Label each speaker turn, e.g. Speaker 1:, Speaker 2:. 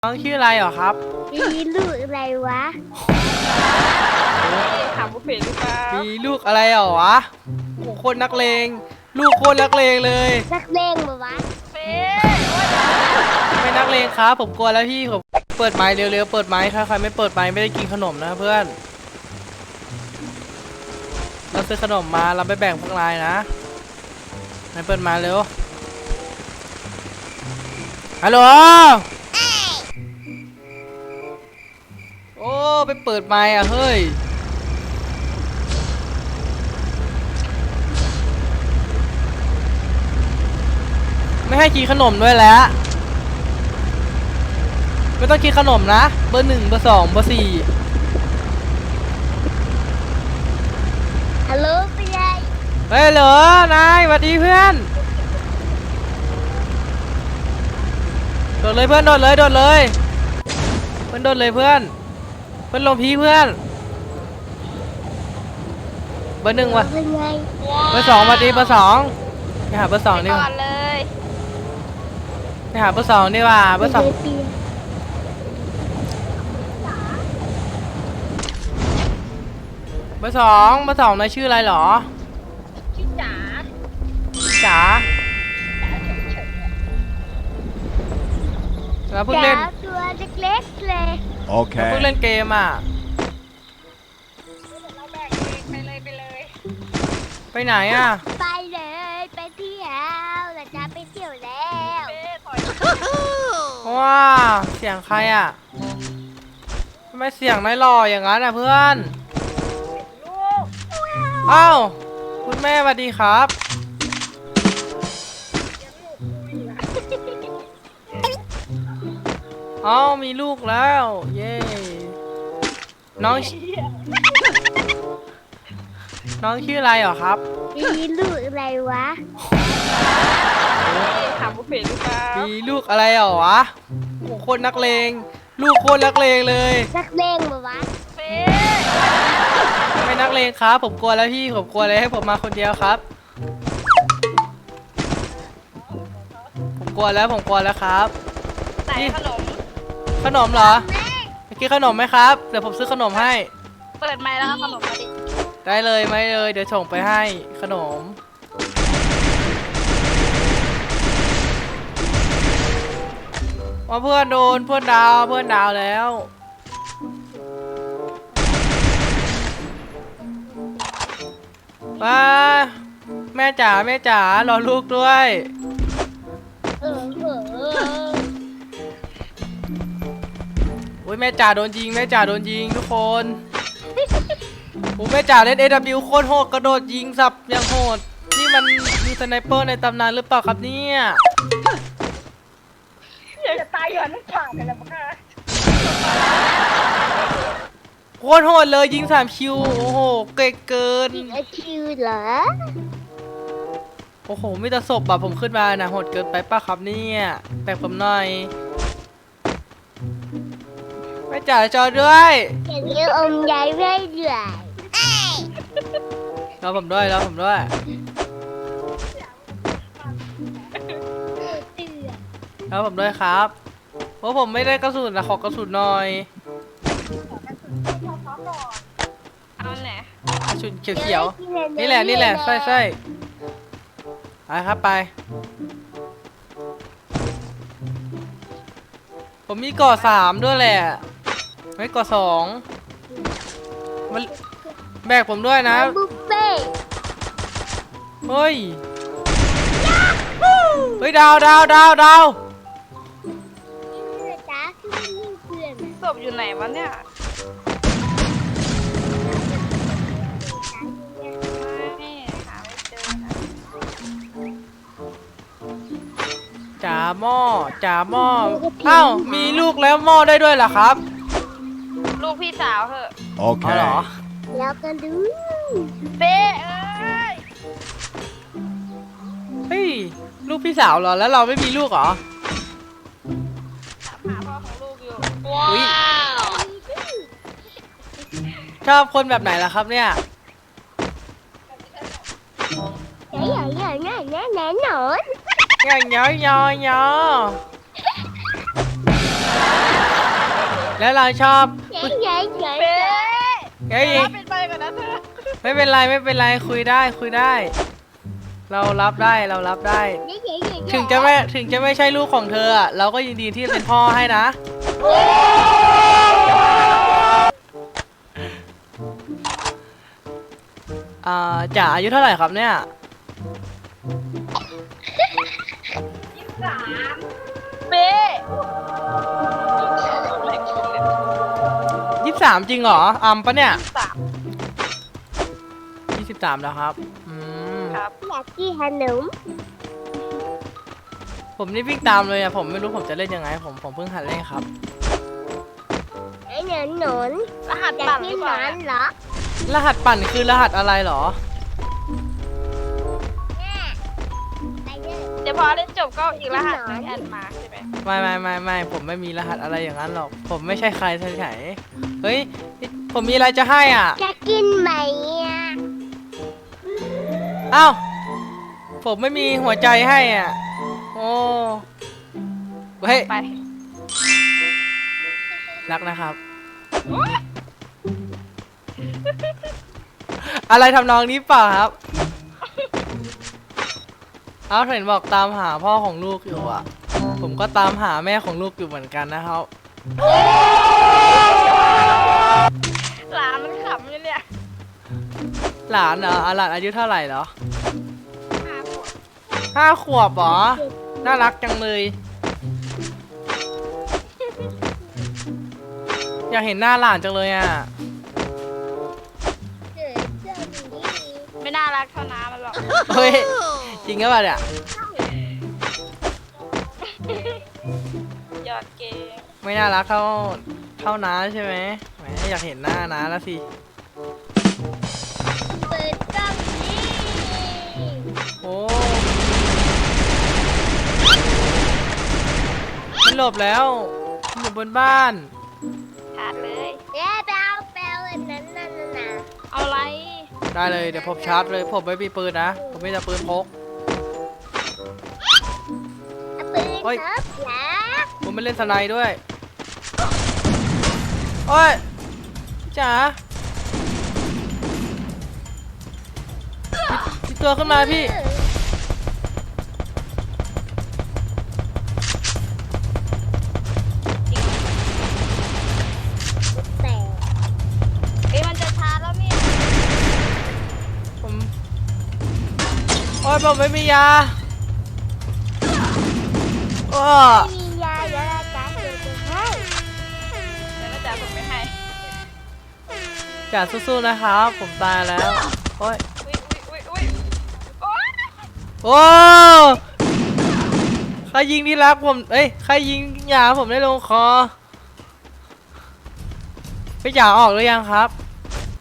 Speaker 1: น้องชื่ออะไรเหรอครับ
Speaker 2: มีลูกอะไรวะ
Speaker 3: ถามบุฟเฟ่หรือเปล่า
Speaker 1: มีลูกอะไรเหรอวะโอ้โคตรนักเลงลูกโคตรนักเลงเลย
Speaker 2: นักเลงปะวะ
Speaker 3: เฟ่
Speaker 1: ไม่นักเลงครับผมกลัวแล้วพี่ผมเปิดไม้เร็วๆเปิดไม้ถ้าใครไม่เปิดไม้ไม่ได้กินขนมนะเพื่อนเราซื้อขนมมาเราไปแบ่งพวกนายนะนายเปิดไม้เร็วฮัลโหลโอ้ไปเปิดไม้อะเฮ้ยไม่ให้กินขนมด้วยแล้วไม่ต้องกินขนมนะเบอร์ 1 เบอร์ 2 เบอร์ 4
Speaker 2: ฮัลโหลไปเลย
Speaker 1: เฮ้ยเหรอนายสวัสดีเพื่อนโดดเลยเพื่อนโดดเลยโดดเลยเพื่อนโดดเลยเพื่อนเพื่อนลงพีเพื่อนเบอร์ 1วะ
Speaker 2: เป็นไง
Speaker 1: เบอร์ 2สวัสดีเบอร์ 2ไปหาเบอร์ 2ดีกว่า
Speaker 3: ก่อนเลย
Speaker 1: ไปหาเบอร์ 2ดีกว่าเบอร์ 2เบอร์ 2เบอร์ 2นายชื่ออะไรเหรอ
Speaker 3: ชื่อจ๋า
Speaker 1: จ๋าแล้วเพิ่ง
Speaker 2: จ๋า
Speaker 1: เล่น
Speaker 2: ตัวเล็กๆเลย
Speaker 1: เพิ่งเล่นเกมอ่ะ
Speaker 3: เราแบกเองไปเลย
Speaker 1: ไปไหนอ่ะ
Speaker 2: ไปเลยไปเที่ยวเราจะไปเที่ยวแล้ว
Speaker 3: เฟ่ถอย
Speaker 1: ว้าเสียงใครอ่ะทำไมเสียงนายหล่ออย่างนั้นอ่ะเพื่อนอ้าวคุณแม่สวัสดีครับเอ้ามีลูกแล้วเย้น้องน้องชื่ออะไรเหรอครับ
Speaker 2: มีลูกอะไรวะ
Speaker 3: ถามบุฟเฟ่หรือเปล่า
Speaker 1: มีลูกอะไรเหรอวะโอ้โคตรนักเลงลูกโคตรนักเลงเลย
Speaker 2: นักเลงปะวะ
Speaker 3: เฟ่
Speaker 1: ไม่นักเลงครับผมกลัวแล้วพี่ผมกลัวเลยให้ผมมาคนเดียวครับผมกลัวแล้วครับ
Speaker 3: ไหนขนม
Speaker 1: ขนมเหรอจะกินขนมไหมครับเดี๋ยวผมซื้อขนมให้
Speaker 3: เปิดไมค์แล้วก็ขนมมาดิ
Speaker 1: ได้เลยไม่เลยเดี๋ยวส่งไปให้ขนมว่าเพื่อนโดนเพื่อนดาวแล้วป้าแม่จ๋ารอลูกด้วย
Speaker 2: เออ
Speaker 1: โอ้ยแม่จ๋าโดนยิงทุกคนโอ้แม่จ๋าเล่น AW โคตรโหดกระโดดยิงสับอย่างโหดนี่มันมีสไนเปอร์ในตำนานหรือเปล่าครับเนี่ย
Speaker 3: อยากจะตายอยู่นั่นขาดเลยละมั้งค่ะ
Speaker 1: โคตรโหดเลยยิง3 คิวโอ้โหเก่งเกิน
Speaker 2: อีกอาคิวเหรอ
Speaker 1: โอ้โหมีแต่ศพแบบผมขึ้นมานะโหดเกินไปป่ะครับเนี่ยแบกผมหน่อยแม่จ๋าจอด้วย
Speaker 2: อย่างนี้อมยายไม่เหนื่อย
Speaker 1: รอผมด้วย แล้วผมด้วยครับเพราะผมไม่ได้กระสุนนะขอกระสุนหน่อย
Speaker 3: เอาไหน
Speaker 1: กระสุนเขียวๆนี่แหละใช่ไปครับไปผมมีก่อ3ด้วยแหละไม่ก่อ2มันแบกผมด้วยนะ
Speaker 2: บุฟเฟ่
Speaker 1: เฮ้ยดาว
Speaker 2: จ๋าคือเพื่อน
Speaker 3: ศพอยู่ไหนวะเนี่ยไม่หาไม่เจอนะ
Speaker 1: จ๋าหม้ออ้าวมีลูกแล้วหม้อได้ด้วยเหรอครับ
Speaker 3: ลูกพี่สาวเหอะ
Speaker 1: อ๋อเหรอ
Speaker 2: แล้วกันดู
Speaker 3: เฟ่เอ้ย
Speaker 1: เฮ้ยลูกพี่สาวเหรอแล้วเราไม่มีลูกเหรอ
Speaker 3: ถามหาพ่อของลูกอยู่
Speaker 1: อุ๊ย ชอบคนแบบไหนล่ะครับเนี่ย
Speaker 2: แน่หนอน
Speaker 1: อย่างแล้วเราชอบ
Speaker 2: เย้เย้เย้
Speaker 3: เป๊
Speaker 1: เฮ้ย
Speaker 3: รับเป็นไปก่อนนะเธอ
Speaker 1: ไม่เป็นไรไม่เป็นไรคุยได้คุยได้ เรารับได้เรารับได้
Speaker 2: เย้เย้เย้
Speaker 1: ถึงจะไม่ใช่ลูกของเธออะเราก็ยินดีที่จะเป็นพ่อให้นะจ๋าอายุเท่าไหร่ครับเนี่ย
Speaker 3: เป๊
Speaker 1: 23จริงเหรอปะเนี่ย
Speaker 3: สาม
Speaker 1: 23แล้วครับ
Speaker 3: ครับ
Speaker 2: อยากกินขนม
Speaker 1: ผมนี่วิ่งตามเลยอะผมไม่รู้ผมจะเล่นยังไงผมเพิ่งหัดเล่นครับ
Speaker 2: ไอ้หนอนหนอน
Speaker 3: รหัส
Speaker 2: อยาก
Speaker 3: ปั่นห
Speaker 2: กิ
Speaker 3: รื
Speaker 2: น
Speaker 3: อ
Speaker 2: ห
Speaker 3: เป
Speaker 2: น
Speaker 3: ล่า
Speaker 2: อนเหรอ
Speaker 1: รหัสปั่นคือรหัสอะไรเหรอ
Speaker 2: แม่ไปเลย
Speaker 3: เดี๋ยวพอเล่นจบก็อีกรหัสหนึงแอดมาใช่ไหม
Speaker 1: ไม่ผมไม่มีรหัสอะไรอย่างนั้นหรอกผมไม่ใช่ใครเฉยๆเฮ้ยผมมีอะไรจะให้อ่ะ
Speaker 2: จะกินไหมอ่ะ
Speaker 1: อ้าวผมไม่มีหัวใจให้อ่ะโอ้เฮ้ย
Speaker 3: ไป
Speaker 1: รักนะครับ อะไรทำนองนี้เปล่าครับเอาเห็นบอกตามหาพ่อของลูกอยู่อ่ะผมก็ตามหาแม่ของลูกอยู่เหมือนกันนะครับ
Speaker 3: หลานมันขำอยู่เนี่ย
Speaker 1: หลานเหรอหลานอายุเท่าไหร่เหรอ
Speaker 3: 5 ขวบ
Speaker 1: 5 ขวบเหรอน่ารักจังเลย อยากเห็นหน้าหลานจังเลยอ่ะ
Speaker 2: เกิดเรื่องนี้
Speaker 3: ไม่น่ารักเท่าน้ำมันหรอก
Speaker 1: เฮ้ยจริงหรือเปล่าเนี่ย
Speaker 3: ยอดเกม
Speaker 1: ไม่น่ารักเท่าน้าใช่ไหมแหมอยากเห็นหน้าน้าแล้วสิ
Speaker 2: เปิดกล้องนี้
Speaker 1: โอ้มันหลบแล้วมันอยู่บนบ้าน
Speaker 3: ชาร์จเลย
Speaker 2: แย่แปลอันนั้นน่ะนะ
Speaker 3: เอาอะไร
Speaker 1: ได้เลยเดี๋ยวผมชาร์จเลยผมไม่มีปืนนะผมไม่จะปืนพก
Speaker 2: เอาปืน
Speaker 1: โอ๊ย
Speaker 2: ครับแล้ว
Speaker 1: ผมไม่เล่นสไนด์ด้วยโอ้ยพี่จ๋าพี่ตัวขึ้นมาพี่
Speaker 2: แต่
Speaker 3: เอ้ยมันจะชาร์จแล้วเนี่ย
Speaker 1: ผมโอ้ยผมไม่มียาโอ้
Speaker 2: มียาเดี๋ยวเราจะเก็บไปให้
Speaker 3: เดี๋ยวน่าจะผมไม่ให้
Speaker 1: จ๋าสู้ๆนะครับผมตายแล้วโอ้ย
Speaker 3: อุ้ยโอ๊ย
Speaker 1: โอ้ใครยิงที่รักผมเอ้ยใครยิงยาผมได้ลงคอพี่จ๋าออกหรือยังครับ